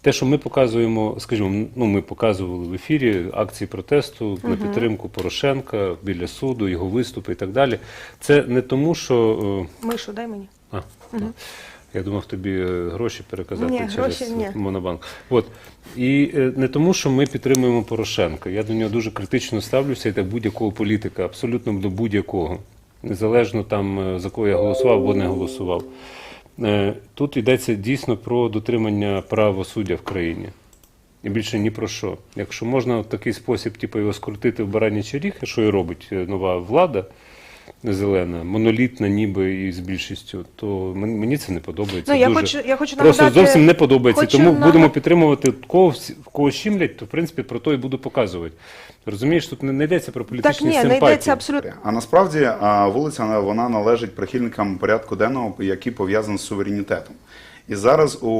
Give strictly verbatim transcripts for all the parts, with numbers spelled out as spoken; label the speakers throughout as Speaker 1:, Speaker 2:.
Speaker 1: те, що ми показуємо, скажімо, ну, ми показували в ефірі акції протесту
Speaker 2: Угу.
Speaker 1: на підтримку Порошенка біля суду, його виступи і так далі. Це не тому, що...
Speaker 2: Мишу, дай мені.
Speaker 1: А,
Speaker 2: Угу.
Speaker 1: Я думав тобі гроші переказати
Speaker 2: Ні,
Speaker 1: через
Speaker 2: гроші ні.
Speaker 1: Монобанк. От. І не тому, що ми підтримуємо Порошенка. Я до нього дуже критично ставлюся, і до будь-якого політика, абсолютно до будь-якого. Незалежно там, за кого я голосував або не голосував. Тут йдеться дійсно про дотримання правосуддя в країні. І більше ні про що. Якщо можна в такий спосіб типу, його скрутити в баранячі ріг, що і робить нова влада, зелена, монолітна ніби і з більшістю, то мені це не подобається.
Speaker 2: Ну, я
Speaker 1: дуже.
Speaker 2: хочу, я хочу
Speaker 1: Просто
Speaker 2: нагадати,
Speaker 1: зовсім не подобається.
Speaker 2: хочу
Speaker 1: Тому
Speaker 2: нагад...
Speaker 1: будемо підтримувати кого, в кого щімлять, то в принципі про то і буду показувати. Розумієш, тут не, не йдеться про політичні
Speaker 2: так, ні,
Speaker 1: симпатії.
Speaker 2: не йдеться абсолютно.
Speaker 3: А насправді а, вулиця вона належить прихильникам порядку денного, який пов'язаний з суверенітетом. І зараз у,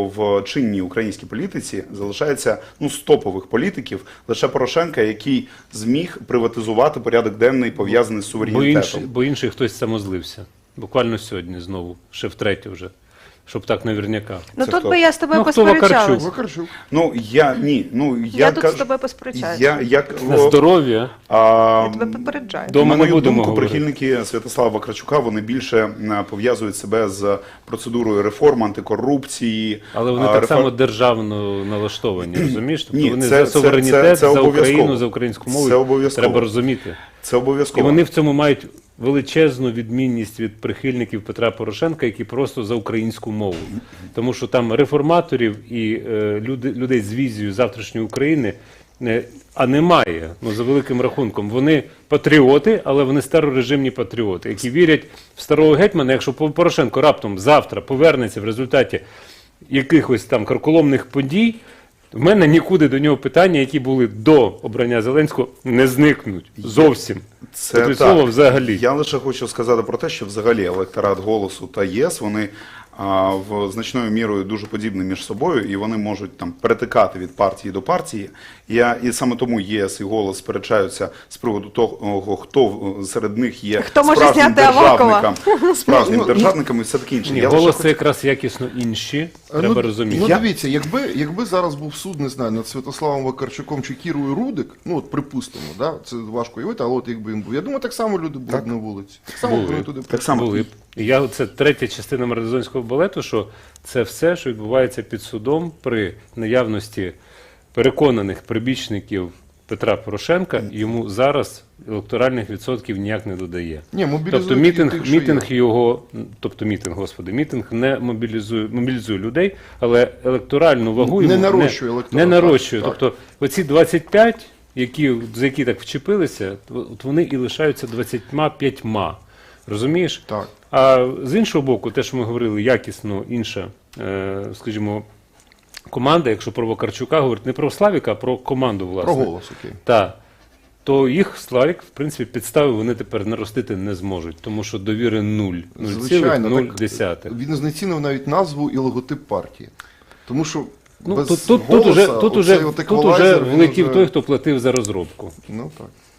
Speaker 3: в чинній українській політиці залишається ну, з топових політиків лише Порошенка, який зміг приватизувати порядок денний, пов'язаний з
Speaker 1: Бо
Speaker 3: суверенітетом.
Speaker 1: інший, бо інший хтось самозлився. Буквально сьогодні знову, ще втретє вже. Щоб так наверняка.
Speaker 2: Ну
Speaker 3: Це
Speaker 2: тут
Speaker 3: хто?
Speaker 2: би я з тобою
Speaker 1: Ну, хто
Speaker 2: посперечалась.
Speaker 4: Вакарчук.
Speaker 3: Ну, я, ні, ну, я,
Speaker 2: Я тут
Speaker 3: кажу,
Speaker 2: з тобою посперечаюся.
Speaker 3: Я, як,
Speaker 1: На здоров'я.
Speaker 3: а,
Speaker 2: Я тебе попереджаю.
Speaker 1: До- Дома
Speaker 3: На мою
Speaker 1: не будемо
Speaker 3: думку,
Speaker 1: говорити.
Speaker 3: прихильники Святослава Вакарчука, вони більше е, пов'язують себе з процедурою реформ, антикорупції.
Speaker 1: Але вони
Speaker 3: а,
Speaker 1: так
Speaker 3: реформ-
Speaker 1: само державно налаштовані, розумієш? Тобто
Speaker 3: Ні,
Speaker 1: вони
Speaker 3: це-
Speaker 1: за
Speaker 3: це-
Speaker 1: суверенітет,
Speaker 3: це- це
Speaker 1: за
Speaker 3: обов'язково.
Speaker 1: Україну, за українську мову.
Speaker 3: Це обов'язково.
Speaker 1: Треба розуміти.
Speaker 3: Це
Speaker 1: І
Speaker 3: обов'язково.
Speaker 1: вони в цьому мають величезну відмінність від прихильників Петра Порошенка, які просто за українську мову. Тому що там реформаторів і е, люди, людей з візією завтрашньої України, е, а немає, ну, за великим рахунком. Вони патріоти, але вони старорежимні патріоти, які вірять в старого гетьмана, якщо Порошенко раптом завтра повернеться в результаті якихось там карколомних подій, в мене нікуди до нього питання, які були до обрання Зеленського, не зникнуть зовсім.
Speaker 3: Це
Speaker 1: Тобто
Speaker 3: так.
Speaker 1: слово взагалі.
Speaker 3: Я лише хочу сказати про те, що взагалі електорат «Голосу» та ЄС, вони а, в значною мірою дуже подібні між собою, і вони можуть там перетикати від партії до партії. Я, і саме тому ЄС і «Голос» сперечаються з приводу того, хто серед них є
Speaker 2: Хто може
Speaker 3: справжнім
Speaker 2: зняти Авакова?
Speaker 3: державником, справжнім
Speaker 4: Ну,
Speaker 3: державником і все таке інше.
Speaker 1: Ні,
Speaker 3: Я лише
Speaker 1: голос
Speaker 3: хочу-
Speaker 1: це якраз якісно інші, треба
Speaker 4: ну,
Speaker 1: розуміти.
Speaker 4: Ну
Speaker 3: Я-
Speaker 4: дивіться, якби, якби зараз був суд, не знаю, над Святославом Вакарчуком чи Кірою Рудик, ну от припустимо, да, це важко уявити, але от якби він був. Я думаю, так само люди були б на вулиці. Так само
Speaker 1: Були.
Speaker 4: вони туди
Speaker 3: Так само.
Speaker 1: Були б. І Я, це третя частина марлезонського балету, що це все, що відбувається під судом при наявності переконаних прибічників Петра Порошенка, йому зараз електоральних відсотків ніяк не додає.
Speaker 4: Ні, мобілізують
Speaker 1: Тобто мітинг,
Speaker 4: тих, що
Speaker 1: мітинг
Speaker 4: є.
Speaker 1: його, тобто мітинг, господи, мітинг не мобілізує, мобілізує людей, але електоральну вагу
Speaker 4: Не
Speaker 1: йому
Speaker 4: нарощує
Speaker 1: не,
Speaker 4: електорат,
Speaker 1: не нарощує.
Speaker 4: так, так.
Speaker 1: Тобто оці двадцять п'ять, які, за які так вчепилися, от вони і лишаються двадцятьма п'ятьма. Розумієш?
Speaker 4: Так.
Speaker 1: А з іншого боку, те, що ми говорили, якісно інша, е, скажімо, команда, якщо про Вакарчука говорити, не про Славіка, а про команду, власне.
Speaker 4: Про голос, окей.
Speaker 1: Так. То їх Славік, в принципі, підстави вони тепер наростити не зможуть, тому що довіри нуль. нуль цілих нуль десятих.
Speaker 4: Він знецінив навіть назву і логотип партії. Тому що
Speaker 1: Ну,
Speaker 4: без
Speaker 1: тут, тут, тут,
Speaker 4: голоса
Speaker 1: уже, тут,
Speaker 4: оцей
Speaker 1: уже,
Speaker 4: от
Speaker 1: тут уже
Speaker 4: еквалайзер, він
Speaker 1: влетів
Speaker 4: уже-
Speaker 1: той, хто платив за розробку.
Speaker 4: Ну так.